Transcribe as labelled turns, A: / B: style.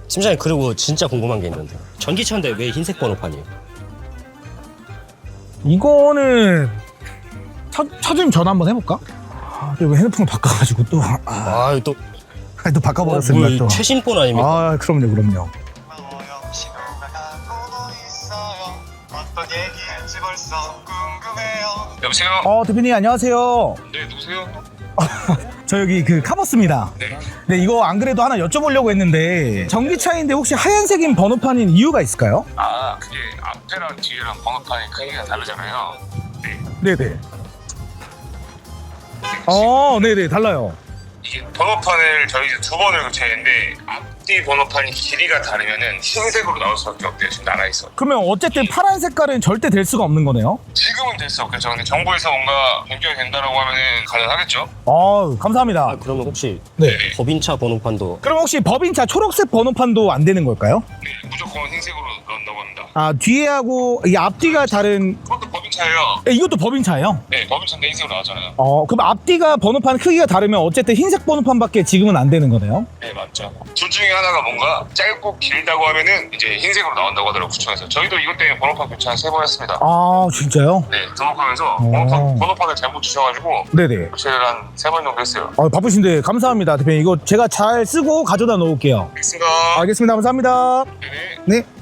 A: 팀장님, 그리고 진짜 궁금한 게 있는데 전기차인데 왜 흰색 번호판이에요?
B: 이거는 차주님 전화 한번 해볼까? 이거 핸드폰을 바꿔가지고 또
A: 또
B: 또 바꿔버렸습니다.
A: 뭐
B: 또.
A: 최신폰 아닙니까?
B: 그럼요.
C: 여보세요?
B: 대표님 안녕하세요.
C: 네, 누구세요?
B: 저 여기 그 카버스입니다.
C: 네.
B: 네, 이거 안 그래도 하나 여쭤보려고 했는데 전기차인데 혹시 하얀색인 번호판인 이유가 있을까요?
C: 그게 앞에랑 뒤에랑 번호판이 크기가 다르잖아요. 네.
B: 네네. 네네, 달라요.
C: 이게 번호판을 저희 이제 두 번을 교체했는데 앞뒤 번호판이 길이가 다르면은 흰색으로 나올 수밖에 없대요. 지금 나가 있어.
B: 그러면 어쨌든 파란 색깔은 절대 될 수가 없는 거네요?
C: 지금은 될 수 없겠죠. 근데 정부에서 뭔가 변경이 된다라고 하면은 가능하겠죠.
B: 감사합니다.
A: 그러면 혹시
B: 네.
A: 법인차 번호판도
B: 그럼 혹시 법인차 초록색 번호판도 안 되는 걸까요?
C: 네, 무조건 흰색으로 넣는다고 합니다.
B: 뒤에하고 이 앞뒤가 다른
C: 그것도 법인차예요.
B: 이것도 법인차예요?
C: 네, 법인차인데 흰색으로 나왔잖아요.
B: 그럼 앞뒤가 번호판 크기가 다르면 어쨌든 흰색 번호판밖에 지금은 안 되는 거네요?
C: 네, 맞죠. 둘 중에 하나가 뭔가 짧고 길다고 하면은 이제 흰색으로 나온다고 하더라고요, 구청에서. 저희도 이것 때문에 번호판 교체 한 3번 했습니다.
B: 진짜요?
C: 네, 등록하면서 번호판을 잘못 주셔가지고
B: 네네.
C: 교체를 한 3번 정도 했어요.
B: 바쁘신데 감사합니다, 대표님. 이거 제가 잘 쓰고 가져다 놓을게요.
C: 알겠습니다.
B: 알겠습니다. 감사합니다.
C: 네.
B: 네.